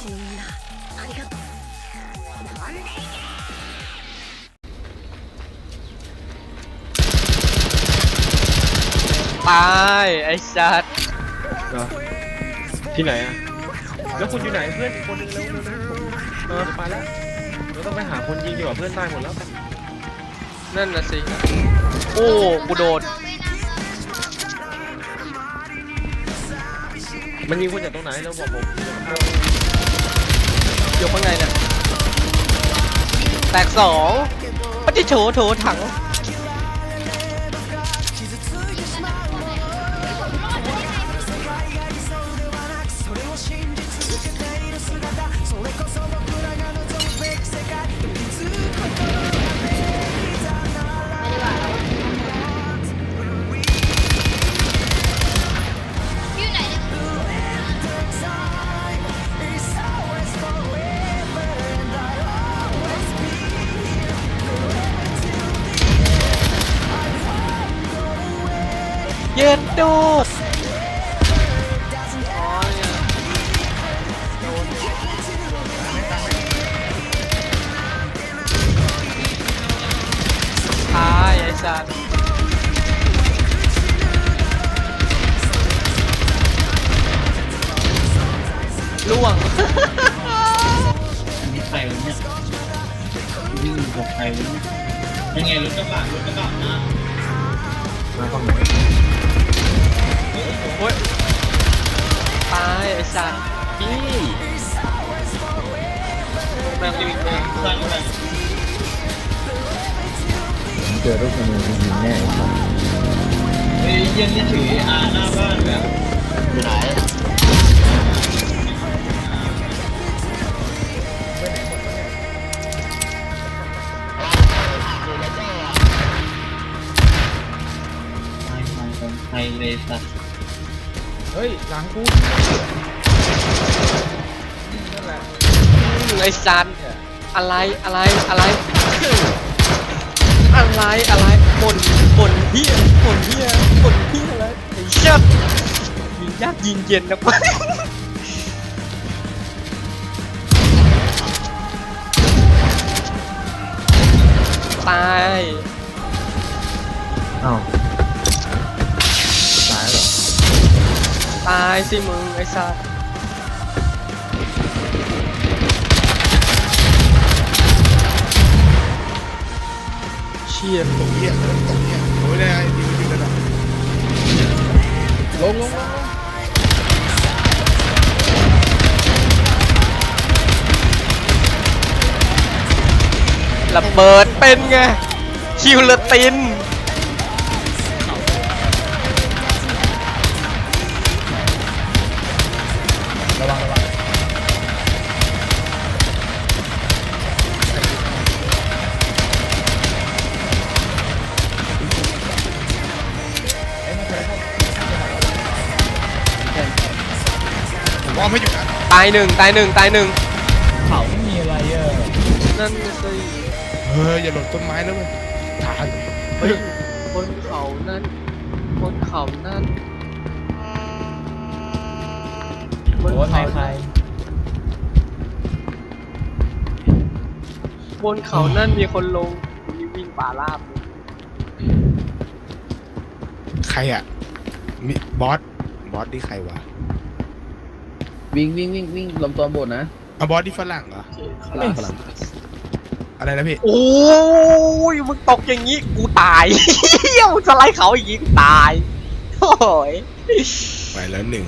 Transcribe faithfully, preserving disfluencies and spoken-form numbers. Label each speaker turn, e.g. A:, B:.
A: ตายไอ้สัตว์
B: ที่ไหนอะแล้วคุณอยู่ไหนเพื่อนอีกคนนึงแล้วเออไปแล้วเราต้องไปหาคนยิงดีกว่าเพื่อนตายหมดแล้ว
A: นั่นน่ะสิโอ้กูโดน
B: มันยิงคุณจากตรงไหนแล้วบอกผม
A: อยู่ข้างในเนี่ยแตกสองปฏิโถโถถังเย็นโดดตายไอ้สัตว์ล่วง
C: นี่ใครวะเนี่ยวิ่งกับใครวะเนี่ยยังไงรถกระบะรถกระบะนะ
B: มาฝั่งไหน
A: โอ้ยตายไอ้สัตว์พี่แม่งวิ่งแม่งสร้างอะไร
D: ผมเจอรูปมือยิงแน่
C: เฮ้ยเย็นนี่ถืออาหน้าบ้านแบบอยู่ไหนไฮเลสัส
B: เฮ้ยหลังกูนั่นแหละ
A: ไอ้สัตว์อะไรอะไรอะไรอะไรอะไรบ่นบ่นเฮียบ่นเฮียบ่นเฮียอะไรไอ้เชี่ยยิงยากยิงเย็นนะวะตาย
D: อ้าวตายเหรอ
A: ตายสิมึงไอ้สัตว์เชี่ย
E: ตกเหี้ยตกเหี้ยโอ้ยได้ดีดีกันอ่ะลงลงลง
A: ระเบิดเป็นไงคิวเลติน
E: ระวังระวังผมว่าไม่อยู่นะ
A: ตายหนึ่งตายหนึ่งตายหนึ่ง
C: เขาไม่มีอะไรเออ
A: นั่นสิ
E: เอออย่าหล่นต้นไม้แล้วเว้ยฐาน
A: เฮ้ยบนเขานั่นบนเขานั่นบนเขาใครบนเขานั่นมีคนลงมีวิ่งป่าราบ
E: ใครอ่ะมีบอสบอสที่ใครวะ
D: วิ่งวิ่งวิ่งวิ่งลำตัวบนนะ
E: อ่ะบอสที่ฝรั่งเหรอ
D: ฝรั่งฝรั่ง
E: อะไรนะพี่
A: โอ้ยมึงตกอย่างนี้กูตายเฮี้ยมึงสไลด์เขาอย่างนี้กูตายโอ้ย
E: ไปแล้วหนึ่ง